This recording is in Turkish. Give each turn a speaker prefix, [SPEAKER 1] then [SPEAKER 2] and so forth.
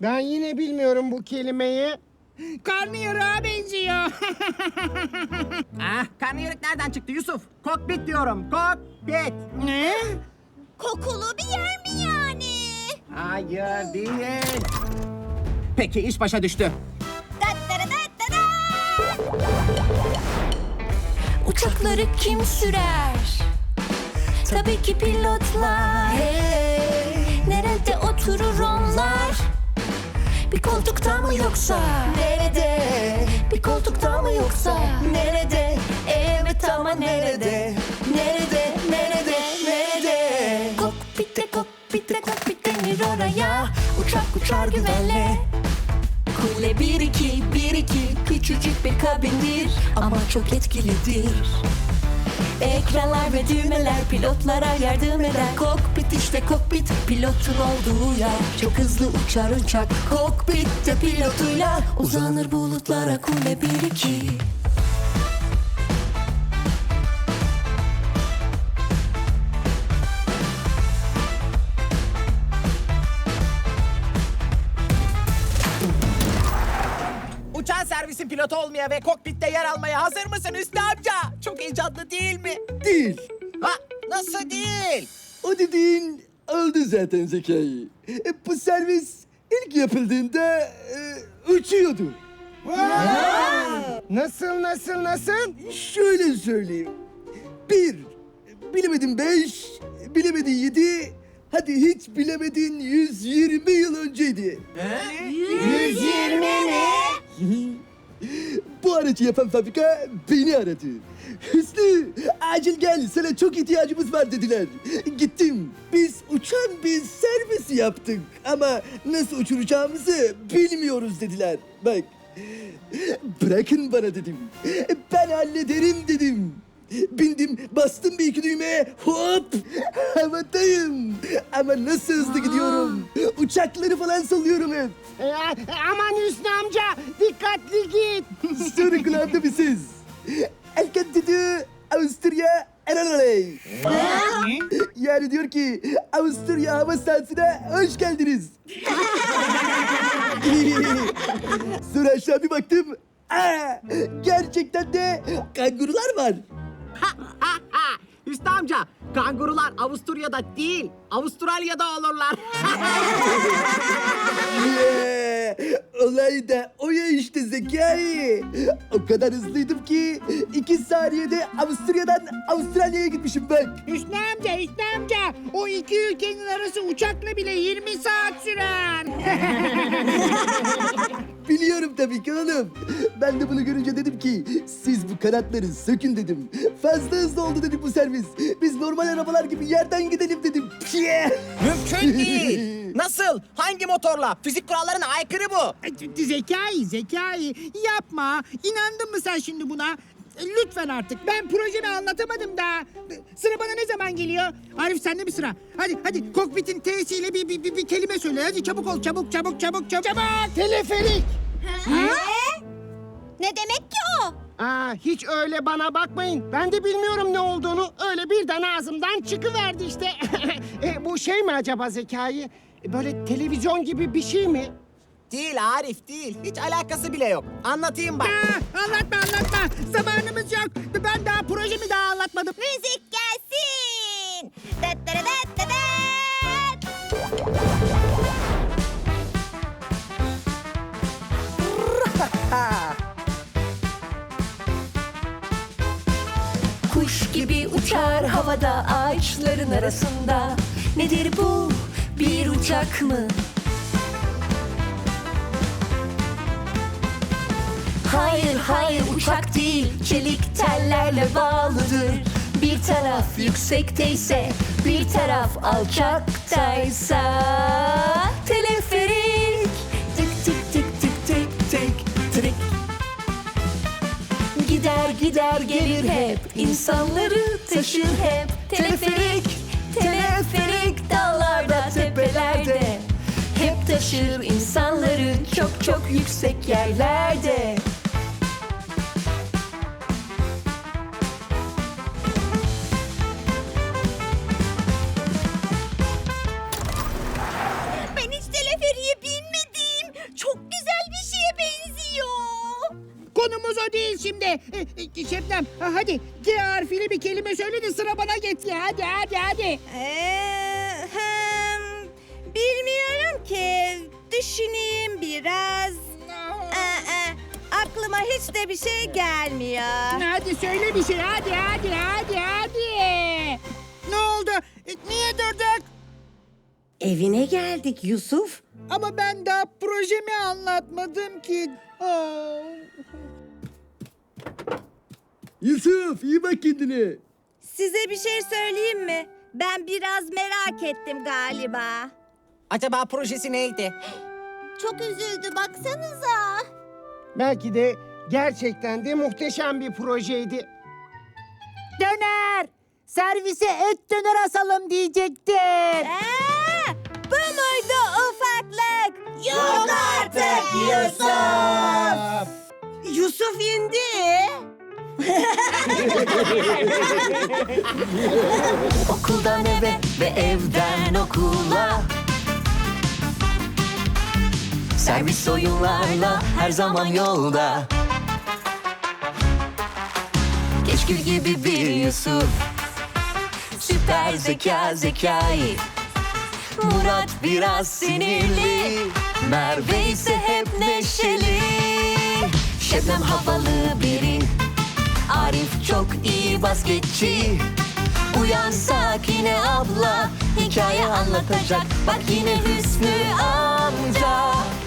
[SPEAKER 1] Ben yine bilmiyorum bu kelimeyi.
[SPEAKER 2] Karnıyarığa benziyor.
[SPEAKER 3] Karnıyarık nereden çıktı Yusuf? Kokpit diyorum. Kokpit.
[SPEAKER 2] Ne?
[SPEAKER 4] Kokulu bir yer mi yani?
[SPEAKER 3] Hayır değil. Peki iş başa düştü.
[SPEAKER 4] Da.
[SPEAKER 5] Uçakları kim sürer? Tabii ki pilotlar. Nerede oturur onlar? Bir koltukta mı yoksa? Nerede? Bir koltukta mı yoksa? Nerede? Evet ama nerede? Nerede? Nerede? Nerede? Kokpit denir oraya. Uçak uçar güvenle. Kule 1-2 küçücük bir kabindir ama çok etkilidir. Ekranlar ve düğmeler pilotlara yardım eder. Kokpit işte kokpit, pilotun olduğu yer. Çok hızlı uçar uçak, kokpitte pilotuyla uzanır bulutlara kule 1-2.
[SPEAKER 3] Uçağın servisin pilotu olmaya ve kokpitte yer almaya hazır mısın Hüsnü amca? Çok heyecanlı değil mi?
[SPEAKER 6] Değil.
[SPEAKER 3] Ha, nasıl değil?
[SPEAKER 6] O dediğin oldu zaten Zekai. Bu servis ilk yapıldığında uçuyordu.
[SPEAKER 1] Nasıl?
[SPEAKER 6] Şöyle söyleyeyim. 1, bilemedin 5, bilemedin 7, hadi hiç bilemedin 120 yıl önceydi.
[SPEAKER 4] 120 mi?
[SPEAKER 6] Bu aracı yapan fabrika beni aradı. Hüsnü, acil gel, sana çok ihtiyacımız var dediler. Gittim, biz uçan bir servis yaptık ama nasıl uçuracağımızı bilmiyoruz dediler. Bak, bırakın bana dedim. Ben hallederim dedim. Bindim, bastım bir iki düğmeye, hop, havadayım. Ama nasıl hızlı gidiyorum. Uçakları falan sallıyorum hep.
[SPEAKER 1] Aman Hüsnü amca, dikkatli git.
[SPEAKER 6] Sonra kulağımda bir ses. Elken dedi Avusturya Eralay. Yani diyor ki Avusturya hava sahasına hoş geldiniz. Sonra aşağı bir baktım. Gerçekten de kangurular var.
[SPEAKER 3] Hüsnü amca, kangurular Avusturya'da değil, Avustralya'da olurlar.
[SPEAKER 6] Olay da o ya işte Zekai. O kadar hızlıydım ki 2 saniyede Avusturya'dan Avustralya'ya gitmişim bak.
[SPEAKER 2] Hüsnü amca. O iki ülkenin arası uçakla bile 20 saat sürer.
[SPEAKER 6] Biliyorum tabii ki oğlum. Ben de bunu görünce dedim ki siz bu kanatları sökün dedim. Fazla hızlı oldu dedim bu servis. Biz normal arabalar gibi yerden gidelim dedim.
[SPEAKER 3] Mümkün değil. Nasıl? Hangi motorla? Fizik kurallarına aykırı bu.
[SPEAKER 2] Zekai yapma. İnandın mı sen şimdi buna? Lütfen artık. Ben projemi anlatamadım daha. Sıra bana ne zaman geliyor? Arif sende mi sıra? Hadi kokpitin T'siyle bir kelime söyle. Hadi çabuk ol çabuk.
[SPEAKER 1] Teleferik.
[SPEAKER 4] Ne demek ki o?
[SPEAKER 1] Hiç öyle bana bakmayın. Ben de bilmiyorum ne olduğunu. Öyle birden ağzımdan çıkıverdi işte. Bu şey mi acaba Zekai? Böyle televizyon gibi bir şey mi?
[SPEAKER 3] Değil Arif değil. Hiç alakası bile yok. Anlatayım bak.
[SPEAKER 2] Anlatma. Zamanımız yok. Ben daha projemi daha anlatmadım.
[SPEAKER 4] Müzik gelsin. Da.
[SPEAKER 5] Kuş gibi uçar havada ağaçların arasında. Nedir bu? Bir uçak mı? Hayır uçak değil, çelik tellerle bağlıdır. Bir taraf yüksekteyse, bir taraf alçaktaysa. Teleferik. Tık tık tık tık tık tık trik. Gider gelir hep, insanları taşır hep. Teleferik dağlarda, tepelerde. Hep taşır insanları çok yüksek yerlerde.
[SPEAKER 4] Ben hiç teleferiye binmedim.
[SPEAKER 2] şimdi. Şebnem hadi G harfiyle bir kelime söyle de sıra bana geçsin. Hadi.
[SPEAKER 4] Bilmiyorum ki. Düşüneyim biraz. Aklıma hiç de bir şey gelmiyor.
[SPEAKER 2] Hadi söyle bir şey. Hadi. Ne oldu? Niye durduk?
[SPEAKER 7] Evine geldik Yusuf.
[SPEAKER 2] Ama ben daha projemi anlatmadım ki.
[SPEAKER 6] Yusuf iyi bak kendine.
[SPEAKER 4] Size bir şey söyleyeyim mi? Ben biraz merak ettim galiba.
[SPEAKER 3] Acaba projesi neydi?
[SPEAKER 4] Çok üzüldü baksanıza.
[SPEAKER 1] Belki de gerçekten de muhteşem bir projeydi.
[SPEAKER 2] Döner. Servise et döner asalım diyecektin.
[SPEAKER 4] Bu muydu ufaklık? Yok artık Yusuf.
[SPEAKER 7] Yusuf indi.
[SPEAKER 5] Okuldan eve ve evden okula, servis oyunlarla her zaman yolda. Keşkül gibi bir Yusuf, süper zekai. Murat biraz sinirli, Merve ise hep neşeli. Şebnem havalı biri, Arif çok iyi basketçi. Uyan Sakine abla, hikaye anlatacak. Bak yine Hüsnü amca.